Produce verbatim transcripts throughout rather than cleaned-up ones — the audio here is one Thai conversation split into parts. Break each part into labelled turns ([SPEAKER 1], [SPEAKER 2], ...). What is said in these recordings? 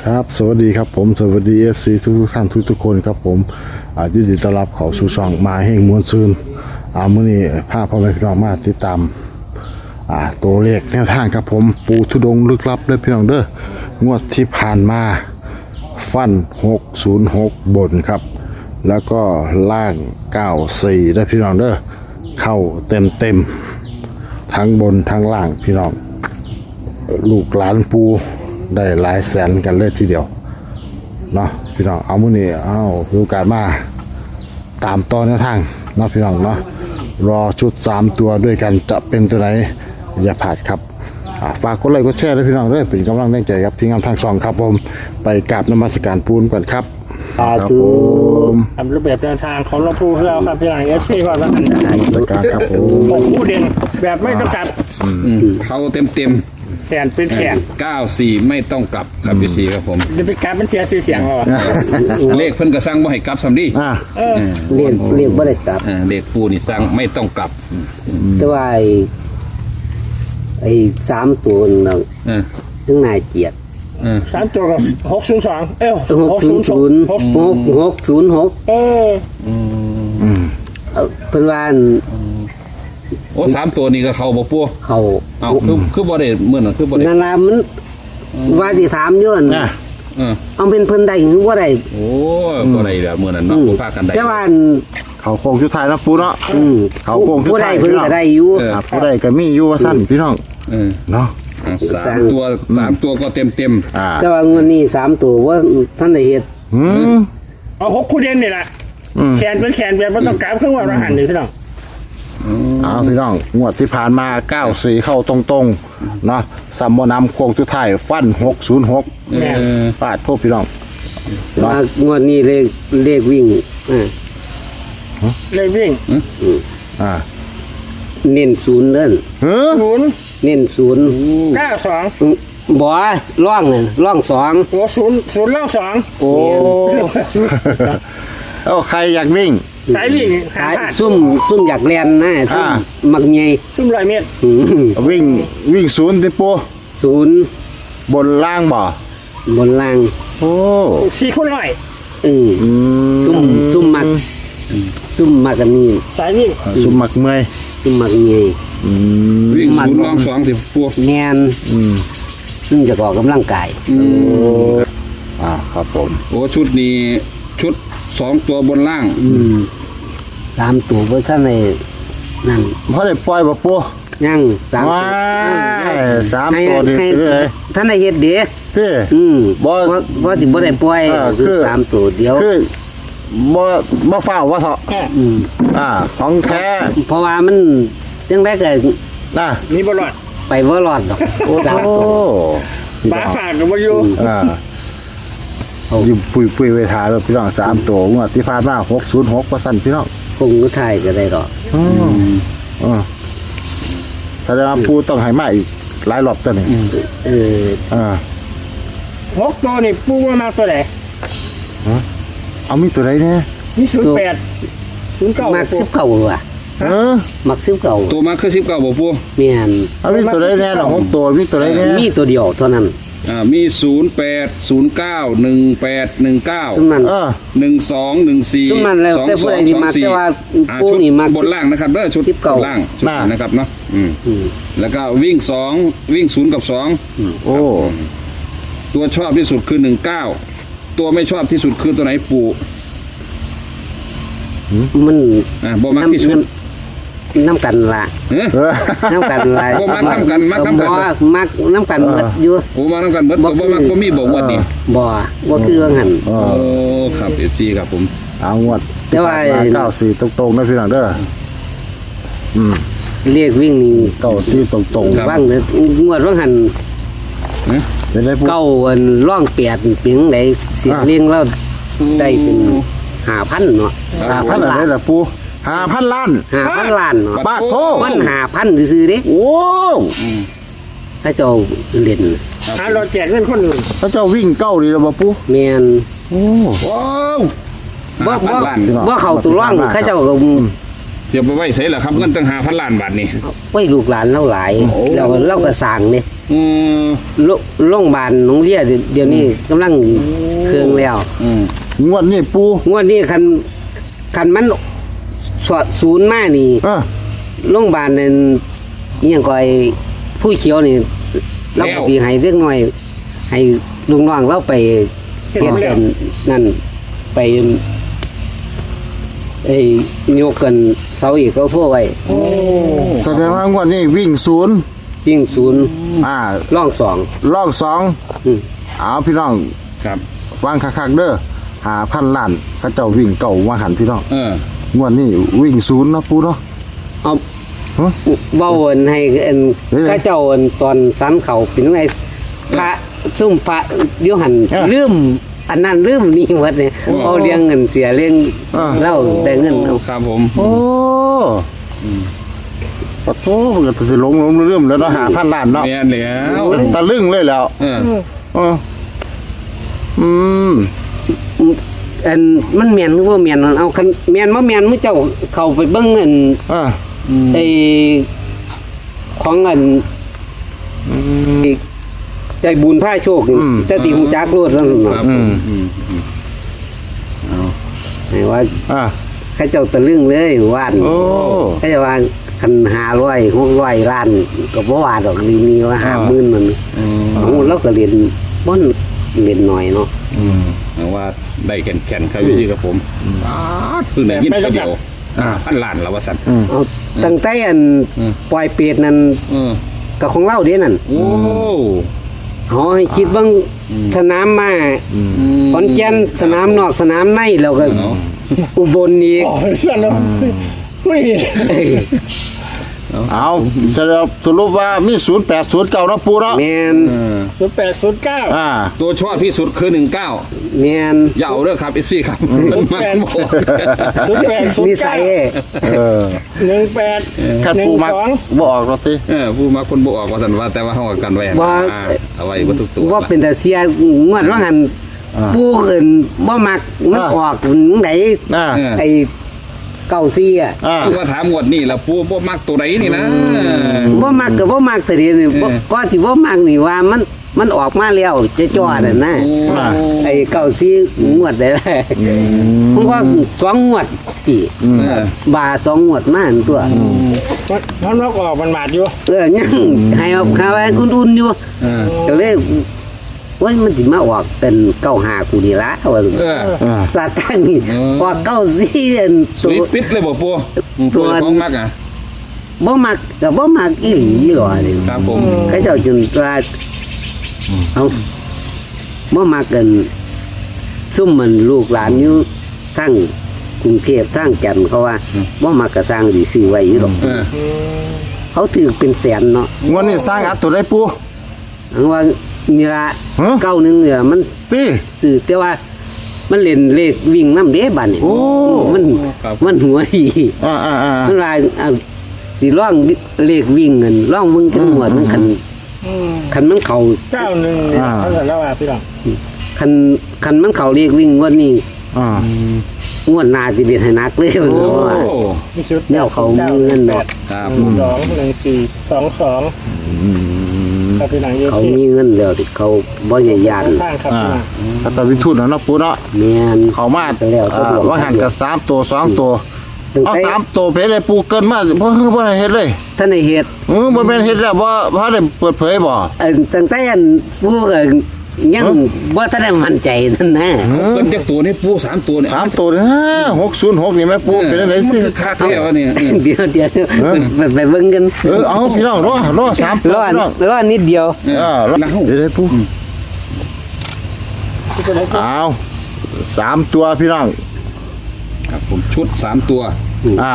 [SPEAKER 1] ครับสวัสดีครับผมสวัสดี เอฟ ซี ทุกท่านทุกทุกคนครับผมอ่ายินดีต้อนรับเข้าสู่ช่องมาแห่งมวลซืนอ่ามื้อนี้พาพ่อแม่พี่น้องมาติดตามอ่าตัวเลขแนวทางครับผมปูทุดงลึกลับเด้อพี่น้องเด้องวดที่ผ่านมาฟันหกศูนย์หกบนครับแล้วก็ล่างเก้าสี่เด้อพี่น้องเด้อเข้าเต็มเต็มทั้งบนทั้งล่างพี่น้องลูกหลานปูได้หลายแสนกันเลยทีเดียวเนาะพี่น้องเอามื้อนี้เอาดูการมาตามต่อแนวทางเนาะพี่น้องเนาะรอชุดสามตัวด้วยกันจะเป็นตัวไหนอย่าพลาดครับฝากกดไลค์กดแชร์ด้วยพี่น้องด้วยเป็นกำลังแรงใจครับที่งานทางสองครับผมไปกราบนมัสการปูนก่อนครับครับผม
[SPEAKER 2] ทำรูปแบบเดินทางของหลวงปู่เราครับพี่หลังเอฟซีก่อนแล้วกัน
[SPEAKER 1] นมัสการครับผม
[SPEAKER 2] ผมผู้เด่นแบบไม่ต้องกลับ
[SPEAKER 3] เขาเต็มเต็ม
[SPEAKER 2] แขนเป็นแขน
[SPEAKER 3] เก้าสี่ไม่ต้องกลับครับพี่สีครับผม
[SPEAKER 2] จะไปกลับมันเสียชื่อเสียงเราอะ
[SPEAKER 3] เลขเพิ่นก็สร้างบ่ให้กลับซ้ำดิ
[SPEAKER 1] อ่า
[SPEAKER 2] เออ
[SPEAKER 4] เรียกเรียกบ่ได้กลับ
[SPEAKER 3] อ่าเลขปูนี่สร้างไม่ต้องกลับ
[SPEAKER 4] แต่ว่าไอ้ไอ้สามตัวนั่น
[SPEAKER 3] เออ
[SPEAKER 4] ทั้งนายเกียรติ
[SPEAKER 3] เออ
[SPEAKER 2] สามตัวกับหกศูนย์สองเอ้า
[SPEAKER 4] หกศูนย์ศูนย์
[SPEAKER 2] หก
[SPEAKER 4] หกหกศูนย์หก
[SPEAKER 2] เออ
[SPEAKER 1] อืม
[SPEAKER 4] เพิ่นว่า
[SPEAKER 3] โอ้สามตัวนี้ก็เขาบ่ปู
[SPEAKER 4] เขา
[SPEAKER 3] เอาคือคือบ่ได้เหมือนน่ะคือบ่ได้
[SPEAKER 4] นั่นล่ะมันว่าสิถามอยู่นั่น
[SPEAKER 1] อ่ะ
[SPEAKER 3] เออ
[SPEAKER 4] เอาเป็นเพิ่นได้หรือบ่ได้
[SPEAKER 3] โอ้บ่ได้แบบเหมือนนั้นเนาะบ่พากันได้
[SPEAKER 4] แต่ว่า
[SPEAKER 1] เขาโค้งชุดไทายนะปูเนาะ
[SPEAKER 4] อืม
[SPEAKER 1] เขาโกงทุก
[SPEAKER 4] ผู้ใด
[SPEAKER 1] ทาง
[SPEAKER 4] เพิ่นก็ได้อยู่
[SPEAKER 3] เออ
[SPEAKER 1] อ่าผู้ใดก็มีอยู่ว่าสั้นพี่น้อง
[SPEAKER 3] เออ
[SPEAKER 1] เนาะ
[SPEAKER 3] เอาสามตัวสามตัวก็เต็มเต็ม
[SPEAKER 1] อ่า
[SPEAKER 4] แต่ว่างวดนี้สามตัวว่าท่านได้เฮ็ด
[SPEAKER 1] อืม
[SPEAKER 2] เอาหกคู่เด่นนี่แหละ
[SPEAKER 1] อืม
[SPEAKER 2] แขนเป็นแขนแบบไม่ต้องกลับเครื่องวัดรหันนี่พี่น้อง
[SPEAKER 1] เอาพี่น้องงวดที่ผ่านมาเก้าสี่เข้าตรงๆเนาะซัมโมนำโค้งทุกไทายฟันหกศูนย์หก
[SPEAKER 3] เออ
[SPEAKER 1] ปาดพวกพี่น้อง
[SPEAKER 4] แต่ว่างวดนี้เลขเลขวิ่งอ่า
[SPEAKER 2] เลยวิ่ง
[SPEAKER 1] อ่า
[SPEAKER 4] เน้นศูนย์เด้อ
[SPEAKER 1] เฮ้อ
[SPEAKER 2] ศูนย์
[SPEAKER 4] เน้นศูนย์
[SPEAKER 2] เก้าสอง
[SPEAKER 4] บ่ร่องนั่นร่องสอง
[SPEAKER 2] โอ้ศูนย์ศูนย์เล่าสอง
[SPEAKER 1] โอ้เอ้าใครอยากวิ่ง
[SPEAKER 2] สายวิ่งหา
[SPEAKER 4] ขาย
[SPEAKER 2] พลาด
[SPEAKER 4] ซุ่มซุ่มอยากเรียนนะซุ่ม
[SPEAKER 1] อ่า
[SPEAKER 4] มักใหญ่
[SPEAKER 2] ซุ่มร้อยเมตร
[SPEAKER 4] อืม
[SPEAKER 1] วิ่งวิ่งศูนย์ติปู
[SPEAKER 4] ศูนย์
[SPEAKER 1] บนล่างบ่
[SPEAKER 4] บนล่าง
[SPEAKER 1] โอ้
[SPEAKER 2] สี่คูณร้อย
[SPEAKER 4] อืม
[SPEAKER 1] อืม
[SPEAKER 4] ซุ่มซุ่มมักซุ่มมักกันนี่
[SPEAKER 2] สายวิ่ง
[SPEAKER 1] สุมักเมอย
[SPEAKER 4] ซุ่มมักใหญ่
[SPEAKER 1] อืม
[SPEAKER 3] วิ่งศูนย์รองสองสิปู
[SPEAKER 4] แม่น
[SPEAKER 1] อืม
[SPEAKER 4] ซึ่งจะออกกำลังกาย
[SPEAKER 1] โอ้อ่าครับผม
[SPEAKER 3] โอ้ชุดนี้ชุดสองตัวบนล่าง
[SPEAKER 4] อืมตามตัวเบอร์ท่านในนั่น
[SPEAKER 1] พอได้ปล่อยบ่ปู
[SPEAKER 4] ยังสาม
[SPEAKER 1] ว้า
[SPEAKER 4] ตัวย
[SPEAKER 1] สามตัวนี่
[SPEAKER 4] ให้
[SPEAKER 1] คือเลย
[SPEAKER 4] ท่านในเฮ็ดเด้
[SPEAKER 1] ที่
[SPEAKER 4] อืม
[SPEAKER 1] บ่
[SPEAKER 4] ว่าว่าสิบ่ได้ปล่อย
[SPEAKER 1] เออ
[SPEAKER 4] คือ
[SPEAKER 1] คือ
[SPEAKER 4] สามตัวเดียว
[SPEAKER 1] คือบ่บ่ฟ้าวว่าเถาะ
[SPEAKER 2] อ่ะ
[SPEAKER 4] อืม
[SPEAKER 1] อ่าของแท้
[SPEAKER 4] เพราะว่ามันจังได๋ก็
[SPEAKER 1] อ่ะ
[SPEAKER 2] มีบอลลอด
[SPEAKER 4] ไปบ่รอดดอก
[SPEAKER 1] โอ้
[SPEAKER 4] สามตัว
[SPEAKER 2] ปลาฝากกับวายุ
[SPEAKER 1] อ่าอยู่ปุยปุยเวทาแล้วพี่น้องสามตัวงวดที่ผ่านมาหกศูนย์หกเปอร์เซ็นต์พี่น้อง
[SPEAKER 4] คงก็ทายก็ได้ดอก
[SPEAKER 1] อืมอ่าแสดงว่าปูต้องให้มาอีกหลายรอบตัวนี้
[SPEAKER 4] เออ
[SPEAKER 1] อ่า
[SPEAKER 2] หกตัวนี่ปูว่ามาตัวไหน
[SPEAKER 1] เอามีตัวไหนเนี่ย
[SPEAKER 2] มีศูนย์แปดศูนย์เก้า
[SPEAKER 4] มักสิบเก้าว่ะ
[SPEAKER 1] เออ
[SPEAKER 4] มักสิบเก้า
[SPEAKER 3] ตัวมาคือสิบเก้าบ่ปู
[SPEAKER 4] แม่น
[SPEAKER 1] เอามีตัวไหนเนี่ยหรอหกตัวมีตัวไหนเนี่ย
[SPEAKER 4] มีตัวเดียวเท่านั้น
[SPEAKER 3] อ่ามีศูนย์แปดศูนย์เก้าหนึ่งแปดหนึ่งเก้า
[SPEAKER 4] ซุ่มนั้น
[SPEAKER 1] เออ
[SPEAKER 3] หนึ่งสองหนึ่งสี่
[SPEAKER 4] ซุ่มมันแล้ว
[SPEAKER 3] สอง
[SPEAKER 4] แต่ผู้
[SPEAKER 3] สอ
[SPEAKER 4] ใด
[SPEAKER 3] ง
[SPEAKER 4] นี่
[SPEAKER 3] สอง
[SPEAKER 4] มัก
[SPEAKER 3] สี่
[SPEAKER 4] แต่ว่า
[SPEAKER 3] อ่า
[SPEAKER 4] ผู้
[SPEAKER 3] ชุด
[SPEAKER 4] นี่มัก
[SPEAKER 3] บนล่างนะครับเด้อชุด
[SPEAKER 4] สิบเก้า
[SPEAKER 3] บนล่างชุดนี้นะครับเนาะอืม
[SPEAKER 4] อืม
[SPEAKER 3] แล้วก็วิ่งสองวิ่งศูนย์กับสอง
[SPEAKER 1] โอ้
[SPEAKER 3] ตัวชอบที่สุดคือหนึ่งเก้าตัวไม่ชอบที่สุดคือตัวไหนปู่
[SPEAKER 4] มัน
[SPEAKER 3] อ่าบ่มักที่สุด
[SPEAKER 4] น้ำกันละ
[SPEAKER 3] เอ้อ
[SPEAKER 1] เออ
[SPEAKER 4] น้ำกันละ
[SPEAKER 3] บ่มักน้ำกันมักน้ำกัน
[SPEAKER 4] บ่มักน้ำกันหมดอยู่
[SPEAKER 3] โอ้มาน้ำกันเบิดบ่บ่มักบ่มีบ่งวดนี่
[SPEAKER 4] บ่บ่คือว่างั้น
[SPEAKER 1] เอ
[SPEAKER 3] โอ้
[SPEAKER 1] อ
[SPEAKER 3] ครับเอฟซีครับผม
[SPEAKER 1] เอางวด
[SPEAKER 4] แต่ว่า
[SPEAKER 1] เก้าสี่ตรงๆนะพี่น้องเด้ออืม
[SPEAKER 4] เรียกวิ่งนี่
[SPEAKER 1] เก้าสี่ตรงๆ
[SPEAKER 4] ว่างเด้องวดว่างหัน
[SPEAKER 3] เอ้อ
[SPEAKER 1] เป็นไรปู
[SPEAKER 4] เก้าอันร่องเปียดเปียงได้เสียเลี้ยงเราได้เป็นห้าพันเนาะห้า
[SPEAKER 1] พั
[SPEAKER 4] พั
[SPEAKER 1] น
[SPEAKER 4] น
[SPEAKER 1] อะไร
[SPEAKER 4] ล้าน
[SPEAKER 1] ล่ะปูห้าพันล้าน
[SPEAKER 4] ห้าพันล้านเนาะ
[SPEAKER 1] บาทโท
[SPEAKER 4] มันห้าพันซื่อๆเด้
[SPEAKER 1] โอ้
[SPEAKER 4] ถ้าเจ้าเล่น
[SPEAKER 2] หาเราแจกเงินคนอื่น
[SPEAKER 1] พระเจ้าวิ่งเก้าดีแล้วบ่ปู
[SPEAKER 4] แม่น
[SPEAKER 1] โอ้
[SPEAKER 3] ว้าว
[SPEAKER 4] บ่
[SPEAKER 3] ห้าพัน
[SPEAKER 4] บ่
[SPEAKER 3] ล้าน
[SPEAKER 4] บ่เข้าตัวร่องเขาเจ้าก็
[SPEAKER 3] เสียบไปไว้ใส่ละครับเงินตั้งห้าพันล้านบาทนี่
[SPEAKER 4] ไว้ลูกหลานเราหลาย
[SPEAKER 3] โอ้
[SPEAKER 4] เราเราก็สั่งนี่
[SPEAKER 3] อืม
[SPEAKER 4] โรโรงพยาบาลหนองเลียเดี๋ยวนี้กำลังเครื่องแล้ว
[SPEAKER 3] อืม
[SPEAKER 1] งวดนี้ปู
[SPEAKER 4] งวดนี้คันคันมันสอดศูนย์มานี่
[SPEAKER 1] อ่า
[SPEAKER 4] โรงพยาบาลนั่นอิหยังก็ไอ้ผู้เขียวนี่เราปฏิให้เล็กน้อย ให้ลุงน้องเราไปเฮ็ดกันนั่นไปไอ้ยกกันเสาอีกก็โทรไว้
[SPEAKER 1] แสดงว่างวดนี้วิ่งศูนย์
[SPEAKER 4] ยิ่งศูนย์
[SPEAKER 1] อ่า
[SPEAKER 4] ร่องสอง
[SPEAKER 1] ลอกสอง
[SPEAKER 4] อืม
[SPEAKER 1] เอาพี่น้อง
[SPEAKER 3] ครับ
[SPEAKER 1] ฟังคักๆเด้อหาพันล้านเขาเจ้าวิ่งเก่ามาหันพี่น้อง
[SPEAKER 3] เออง
[SPEAKER 1] วดนี้วิ่งศูนย์เนาะปูเนาะ
[SPEAKER 4] เอา
[SPEAKER 1] ฮะ
[SPEAKER 4] เว้าอันให้อัน
[SPEAKER 1] เฮ้ย
[SPEAKER 4] ข้าเจ้าอันตอนสันเขาเป็นไงพระซุ่มพระเดี๋ยวหัน
[SPEAKER 1] เออ
[SPEAKER 4] ลืมอันนั้นลืมนี่หมดเนี่ยเอาเลี้ยงเงินเสียเลี้ยง
[SPEAKER 1] อ่า
[SPEAKER 4] เล่าได้เงินเอา
[SPEAKER 3] ครับผม
[SPEAKER 1] โอ้ปะโถมันก็สิหลงหลงเรื่อมๆแล้วเนาะหาพันล้านเนาะ
[SPEAKER 3] แม่นแล้ว
[SPEAKER 1] ตะลึงเลยแล้ว
[SPEAKER 3] เออ
[SPEAKER 1] เอออืม
[SPEAKER 4] อันมันเมียนหรือว่าเมียนเอาคันเมียนบ่เมียนมื้อเจ้าเข้าไปเบิ่งเงิน
[SPEAKER 1] อ่า
[SPEAKER 4] ไอ้ของเงินอีกใจบุญผ้าโชคนี่แต่ติฮู้จักโลดแล้วนั่น
[SPEAKER 3] ครั
[SPEAKER 4] เนาะ
[SPEAKER 3] บผมอืมอืมเอา
[SPEAKER 4] ให้ว่า
[SPEAKER 1] อ่า
[SPEAKER 4] ข้าเจ้าตะลึงเลยว่าน
[SPEAKER 1] โอ้
[SPEAKER 4] ข้าเจ้าว่าคันห้าร้อยหกร้อยล้านก็บ่ว่าดอกนี่นี่ว่าห้าหมื่นมัน
[SPEAKER 3] อืม
[SPEAKER 4] โอ้เราก็เรียนบ่นเรียนหน่อยเนาะ
[SPEAKER 1] อืม
[SPEAKER 3] เอาว่าได้แข่นๆครับอยู่ที่กับผมป๊าดเพิ่งได้ยินตัวเดียวอ่าพันล้านแล้วว่าสั่น
[SPEAKER 4] เอาตั้งแต่อัน
[SPEAKER 3] อืม
[SPEAKER 4] ปล่อยเป็ดนั่น
[SPEAKER 3] เออ
[SPEAKER 4] ก็ของเราเด้นั่น
[SPEAKER 3] โอ้
[SPEAKER 4] เฮาให้คิดเบิ่งสนามมาขอนแก่นสนามนอกสนามในแล้วก็
[SPEAKER 3] เนาะ
[SPEAKER 4] อุบลอีก
[SPEAKER 2] อ๋อเชื่อแล้วอุ้ย
[SPEAKER 1] เอาสรุปสรุปว่ามีศูนย์แปดศูนย์เก้าเนาะปูเนาะ
[SPEAKER 4] แม่น
[SPEAKER 3] เออ
[SPEAKER 2] ศูนย์แปดศูนย์เก้า
[SPEAKER 1] อ่า
[SPEAKER 3] ตัวชอบที่สุดคือหนึ่งเก้า
[SPEAKER 4] แม่น
[SPEAKER 3] อย่าเอาเด้อครับเอฟซีครับมันมากบอก
[SPEAKER 2] ศูนย์แปดศูน
[SPEAKER 4] นิ
[SPEAKER 2] ย์
[SPEAKER 4] สั
[SPEAKER 2] เก้าย
[SPEAKER 1] เออ
[SPEAKER 2] หนึ่งแปด
[SPEAKER 1] คัน
[SPEAKER 2] หนึ่ง
[SPEAKER 1] ปูมัก
[SPEAKER 2] สอง
[SPEAKER 1] บ่ออกเนาะติ
[SPEAKER 3] เออผู้มาคนบออกว่าสันว่าแต่ว่าเขาเอากันไว้นะ
[SPEAKER 4] ว่า
[SPEAKER 3] อ่าเอาไว้ว่าทุกตัว
[SPEAKER 4] ว่าเป็นแต่เสียงวดว่างั้น
[SPEAKER 1] อ่า
[SPEAKER 4] ผู้อื่นบ่มักมัน
[SPEAKER 1] อ่า
[SPEAKER 4] ออกไหน
[SPEAKER 1] อ่า
[SPEAKER 4] ไอ้เก้าซี่อ่ะ
[SPEAKER 1] อ่า
[SPEAKER 3] ผู้ว่าถามหมวดนี่แล้วผู้บ่มักตัวไหนนี่นะ
[SPEAKER 4] บ่มักก็บ่มักแต่เดียวนี่บ่
[SPEAKER 3] เออ
[SPEAKER 4] ก็สิบ่มักนี่ว่ามันมันออกมาแล้วจะจ่อน่ะนะ
[SPEAKER 3] โอ้
[SPEAKER 4] ไอ้เก้าซี่งวดได้แล้วผมก็สองงวดพี่
[SPEAKER 3] เออบ
[SPEAKER 4] าสองงวดมาอันตัว
[SPEAKER 2] มันนกออกมันหมาดอยู่
[SPEAKER 4] เออยังให้เอาข้าวไว้อุ่นๆอยู่
[SPEAKER 3] เออ
[SPEAKER 4] ก็เลยว่ามันสิมาออกเป็นเก้าหากูนี่ละว่า
[SPEAKER 3] เออ
[SPEAKER 1] อ่า
[SPEAKER 4] ซาตังนี่
[SPEAKER 3] เออ
[SPEAKER 4] ออกเก้าซี่อัน
[SPEAKER 3] สวิตปิดเลยบอกปูตัวของมักอ่ะ
[SPEAKER 4] บ่มักก็บ่มักอีหลีหรอนี่
[SPEAKER 3] ครับผม
[SPEAKER 4] เขาเจ้าจนว่าเอาบ่มักกันซุ่มมันลูกหลานอยู่ทั้งกรุงเทพทั้งจันทน์เขาว่าบ่มักก็สร้างสิซื้อไว้อยู่หรอก
[SPEAKER 3] เออ
[SPEAKER 4] เขาถือเป็นแสนเนาะ
[SPEAKER 1] งวดนี้สร้างอัดตัวได้ปู
[SPEAKER 4] อันว่านี่ละ
[SPEAKER 1] ฮะ
[SPEAKER 4] เก้าหนึงเนี่ยมัน
[SPEAKER 1] ติ
[SPEAKER 4] ซื้อแต่ว่า มันเล่นเลขวิ่งนำเด้บัดนี่
[SPEAKER 1] โอ้
[SPEAKER 4] มันมันหัวดี
[SPEAKER 1] อ่าอ่าอ่า
[SPEAKER 4] มันว่าเอาสิร่องเลขวิ่งเงินร่องมึงจังหวัดมันคันคันมันเขา
[SPEAKER 2] เก้าหนึ่งเนี่ยเขาจะเล่าว่าพี่น้อง
[SPEAKER 4] คันคันมันเขาเลขวิ่งงวดนี้
[SPEAKER 1] อ่าง
[SPEAKER 4] วดหน้าสิเป็นให้หนักเลยมัน
[SPEAKER 3] โอ้
[SPEAKER 4] ว่า
[SPEAKER 2] มีชุด
[SPEAKER 4] แนวเขามีเงินดอก
[SPEAKER 3] ครับ
[SPEAKER 2] หนึ่งสองหนึ่งสี่สองสองครับพี่น้องเยอะ
[SPEAKER 4] เขา
[SPEAKER 2] ที่
[SPEAKER 4] มีเงินแล้วที่เขาบ่ใหญ่ยาน
[SPEAKER 2] ข้างครับ
[SPEAKER 1] อ่า
[SPEAKER 2] พี่น้อง
[SPEAKER 1] ถ้าตะวิทุนเนาะปูเนาะ
[SPEAKER 4] แม่น
[SPEAKER 1] เขามา
[SPEAKER 4] แล้ว
[SPEAKER 1] อ่าว่าหันกับสามตัวสองตัว
[SPEAKER 4] ตั้ง
[SPEAKER 1] เอา
[SPEAKER 4] แต่
[SPEAKER 1] สามตัวเพชรเลยปูเกินมาเพราะคือบ่ได้เฮ็ดเลย
[SPEAKER 4] ท่านในเฮ็ด
[SPEAKER 1] เออบ่แม่นเฮ็ดแล้วบ่บ่ได้เปิดเผยบ่
[SPEAKER 4] เอิ่นตั้งแต่อันผู้ก็ยังบ่ทันได้มั่นใจนั่นนะ
[SPEAKER 3] เป็นจากตัวนี่ปูสามตัวเนี่ย
[SPEAKER 1] สามตัวนะหกศูนย์หกนี่แม่ปูเป็นจังได๋
[SPEAKER 3] มัน
[SPEAKER 1] สิ
[SPEAKER 3] คือคักแล้วเนี่ย
[SPEAKER 4] เดี๋ยวเดี๋ยวไปไปเบิ่งกัน
[SPEAKER 1] เออเอาพี่น้องรอรอสามตัว
[SPEAKER 4] รอด
[SPEAKER 1] พี่น้อง
[SPEAKER 4] รอดนิดเดียว
[SPEAKER 1] เออรอ
[SPEAKER 3] นัก
[SPEAKER 1] เดี๋ยวๆปู
[SPEAKER 2] ที่จะได้
[SPEAKER 1] เอาสามตัวพี่น้อง
[SPEAKER 3] ครับผมชุดสามตัว
[SPEAKER 1] อ่า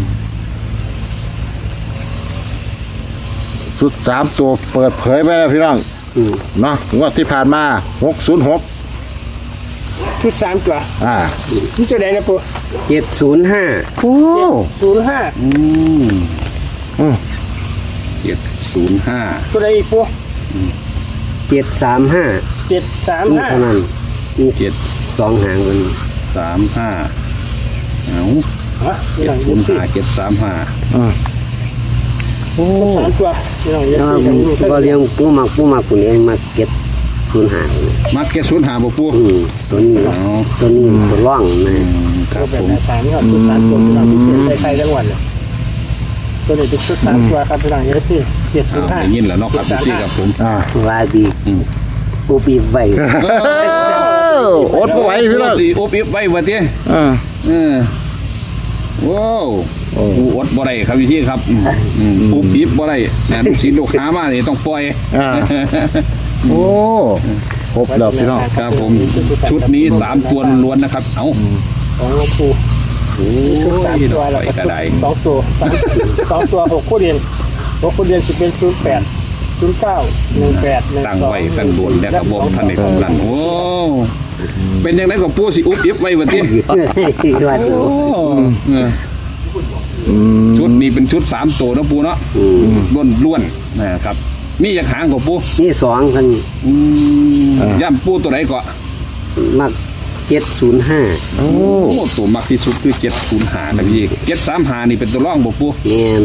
[SPEAKER 1] สุดสามตัวเปิดเผยไปแล้วพี่น้อง
[SPEAKER 4] อืม
[SPEAKER 1] เนาะงวดที่ผ่านมาหกศูนย์หก
[SPEAKER 2] ชุดสามตัว
[SPEAKER 1] อ่า
[SPEAKER 2] นี่จะได้นะปู
[SPEAKER 4] เจ็ดศูนย์ห้า
[SPEAKER 1] โอ้
[SPEAKER 2] ศูนย์ห้า
[SPEAKER 3] อืม
[SPEAKER 1] อืม
[SPEAKER 3] เจ็ดศูนย์ห้า
[SPEAKER 2] ตัวใดอีกปู
[SPEAKER 4] เจ็ดสามห้า
[SPEAKER 2] เจ็ดสาม
[SPEAKER 4] นี่
[SPEAKER 2] ห้า
[SPEAKER 4] เท่านั้นนี่
[SPEAKER 3] เจ็ด
[SPEAKER 4] สองหางกัน
[SPEAKER 3] สามห้าเอา
[SPEAKER 2] ฮะพี่
[SPEAKER 3] เจ็
[SPEAKER 2] น้
[SPEAKER 3] ด
[SPEAKER 2] อง
[SPEAKER 3] ศู
[SPEAKER 2] ยี่
[SPEAKER 3] นย์
[SPEAKER 2] สิบ
[SPEAKER 3] ห้าเจ็ดสามห้า
[SPEAKER 1] อ่าโอ้
[SPEAKER 2] สามตัวพี่น้องยี่
[SPEAKER 4] แล้ว
[SPEAKER 2] สิบยังอยู่
[SPEAKER 4] ก็เลี้ยงปูมักปูมักคนนี้มาเก็บศูนย์หาเนี่ย
[SPEAKER 3] มาเก็ตศูนย์ห้าบ่ปู
[SPEAKER 4] อืมตัวนี้
[SPEAKER 3] อ๋อ
[SPEAKER 4] ตัวนี้ตัวร่องนะ
[SPEAKER 2] ก็แบบในสามนี่ครับชุดสามตัวพี่น้องพิเศษใส่ๆจังหวัดเลยตัวนี้เป็นชุดสามตัวครับพี่น้องยี่สิบเจ็ดศูนย์ห้า
[SPEAKER 3] ได้ยินแล้วเนาะครับพี่ครับผม
[SPEAKER 1] อ่า
[SPEAKER 4] ว่าดี
[SPEAKER 3] อืม
[SPEAKER 4] ปูปีไว้
[SPEAKER 1] อดบ่ไหวพี่น้อง
[SPEAKER 3] สิอบอิบไว้ว่าติ
[SPEAKER 1] อ่า
[SPEAKER 3] เออว้าว
[SPEAKER 1] โอ้
[SPEAKER 3] กูอดบ่ได้ครับพี่ครับอืมอืมอบอิบบ่ได้แหน่ลูกศิษย์ลูกหามานี่ต้องปล่อย
[SPEAKER 1] อ่าโอ้ครบแล้วพี่น้อง
[SPEAKER 3] ครับผมชุดนี้สามตัวล้วนๆนะครับ เอ้า
[SPEAKER 2] ของหลวงปู่
[SPEAKER 3] โอ้
[SPEAKER 2] ชุดสาม
[SPEAKER 3] ยด
[SPEAKER 2] ตัว
[SPEAKER 3] อก
[SPEAKER 2] แล้ว
[SPEAKER 3] ไฟ
[SPEAKER 2] ก็
[SPEAKER 3] กระได
[SPEAKER 2] สองตัวสองสองตัวหกคู่เรียนหกคู่เรียนสิเป็นศูนย์แปดศูนย์เก้าหนึ่งแปดหนึ่ง
[SPEAKER 3] ตั้ง
[SPEAKER 2] สอง
[SPEAKER 3] ไว้ตั้งโดนแล้วก็บอกท่านในของนั้นโอ้เป็นยังไงกับปูสิอุบอิบไว้ว่าติ
[SPEAKER 4] ว่าดู
[SPEAKER 3] โอ้เออ
[SPEAKER 1] อืม
[SPEAKER 3] ชุดนี้เป็นชุดสามตัวเนาะปูเนาะล้วนล้วนๆนะครับ มีอยากหางกับปู
[SPEAKER 4] นี่สองคัน
[SPEAKER 3] อืมย่ำปูตัวไหนก็
[SPEAKER 4] มักเจ็ดศูนย์ห้า
[SPEAKER 1] โอ้
[SPEAKER 3] โอ้ตัวมักที่สุดคือเจ็ดศูนย์หานะพี่เจ็ดสามหานี่เป็นตัวร่องบ่ปู
[SPEAKER 4] แมน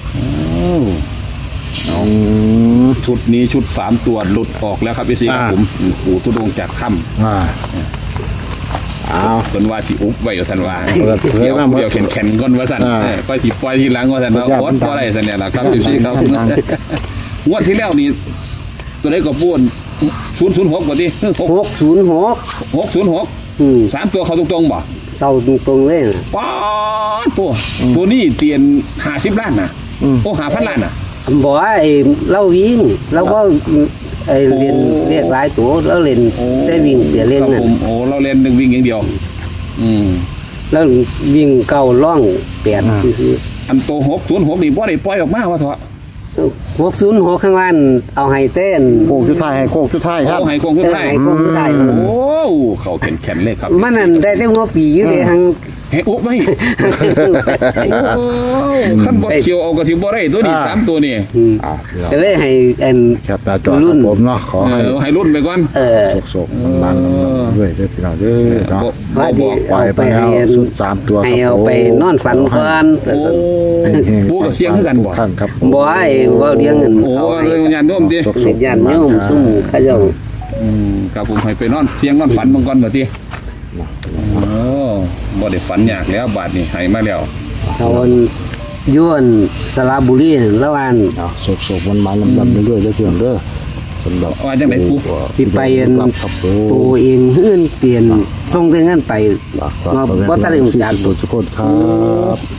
[SPEAKER 3] เอา
[SPEAKER 1] อืม
[SPEAKER 3] ชุดนี้ชุดสามตัวหลุดออกแล้วครับพี่ซีครับ
[SPEAKER 1] อ่า
[SPEAKER 3] ผมปู่ทุดงค์จากถ้
[SPEAKER 1] อ่าเอา
[SPEAKER 3] ำเป็นว่าสิอุบไว้กับท่านว่า
[SPEAKER 1] เปิดเผย
[SPEAKER 3] เสียว
[SPEAKER 1] มาหมด
[SPEAKER 3] เดียวแข็งแข็งก้อนว่าท่าน
[SPEAKER 1] อ่า
[SPEAKER 3] เออไปสิปล่อยทีหลังว่าท่านว่า
[SPEAKER 1] มันยาก
[SPEAKER 3] โอ๊ต
[SPEAKER 1] มัน
[SPEAKER 3] ก็
[SPEAKER 1] ดัง
[SPEAKER 3] ได้ท่านเนี่ยแหละครับพี่ซีครับ
[SPEAKER 1] มันดัง
[SPEAKER 3] งวดที่แล้วนี่ตัวไหนก็ปูนศูนย์ศูนย์หกกว่าที่หก
[SPEAKER 4] หกศูนย์หก
[SPEAKER 3] หกศูนย์หก
[SPEAKER 4] อืม
[SPEAKER 3] สามตัวเขาตรงๆบ่
[SPEAKER 4] เศร้าตรงๆเลยนะ
[SPEAKER 3] ป๊าดตัวตัวนี้เตียนห้าสิบล้านนะโอ้หาพันล้านนะ
[SPEAKER 4] บอกว่าไอ้เล่าวิ่งเราก็ไอ้เรียน
[SPEAKER 3] โอ้
[SPEAKER 4] เรียกหลายตัวแล้วเรียนได้วิ่งเสียเล่น
[SPEAKER 3] ครับ
[SPEAKER 4] นั่น
[SPEAKER 3] ผมโอ้เราเล่นหนึ่งวิ่งอย่างเดียว อืม
[SPEAKER 4] แล้ววิ่งเก้าล่องแปดคือ
[SPEAKER 3] อันโตหกศูนย์หกนี่บ่ได้ปล่อยออกมาว่าเถอะ
[SPEAKER 4] หกศูนย์หกข้างล่างเอาให้เต้น
[SPEAKER 1] โค้งชุดท้ายให้โค้งชุดท้ายครับ
[SPEAKER 3] โอ้ให้กองทุนไทย
[SPEAKER 4] ให้กองทุนไทย
[SPEAKER 3] โอ้เขาแข็งแข็งเลยครับ
[SPEAKER 4] มันนั่นได้แต่หัวปีอยู่เลยทาง
[SPEAKER 3] ให้อุ๊บไว้โอ้ขั้นบ่เขียวเอากระสิบ่ได้ตัวนี้
[SPEAKER 1] อ่า
[SPEAKER 3] สามตัวนี่
[SPEAKER 4] อืม
[SPEAKER 1] อ่าพี่น้อง
[SPEAKER 4] ก็เลยให้อัน
[SPEAKER 1] แคปหน้าจอครับผมเนาะขอ
[SPEAKER 3] เอ
[SPEAKER 1] ให้
[SPEAKER 3] อให้รุ่นไปก่อน
[SPEAKER 4] เออ
[SPEAKER 1] โศกๆมันๆด้วยเด้อพี่น้องเด้อเนาะ
[SPEAKER 4] ว่าดี
[SPEAKER 1] ปล่อยไปแล้วสุดสามตัว
[SPEAKER 4] ให้
[SPEAKER 1] ครับ
[SPEAKER 4] เอาไปนอนฝันก่อน
[SPEAKER 3] โอ้ปูกับเสียงคือกันบ่
[SPEAKER 1] ท่านครับ
[SPEAKER 4] บ่ให้ว่าเลี้ยงเงิน
[SPEAKER 3] โอ้
[SPEAKER 4] เอาให้
[SPEAKER 3] เรื่องงานโยมติ
[SPEAKER 4] เสร็จยันโยมซุ่มเขาเจ้า
[SPEAKER 3] อืมครับผมให้ไปนอนเสียงนอนฝันเบิ่งก่อนว่าติโอ้บ่ได้ฝันยากแล้วบาดนี้ให้มาแล้ว
[SPEAKER 4] เขาย้วนสระบุรีนั่นแล้วอัน
[SPEAKER 1] เอาโศกๆมันๆลำๆเรื่อยๆเด้อพี่น้องเด้อสำหรับ
[SPEAKER 3] ว่าจังได๋ปู
[SPEAKER 4] สิไปอัน
[SPEAKER 1] ครับผม
[SPEAKER 4] ตัวเองเฮือนเปลี่ยนส่งแต่เงินไป
[SPEAKER 1] ฝาก
[SPEAKER 4] มา
[SPEAKER 1] ฝาก
[SPEAKER 4] บ่ทันได้รู้จัก
[SPEAKER 1] ทุกคนครับ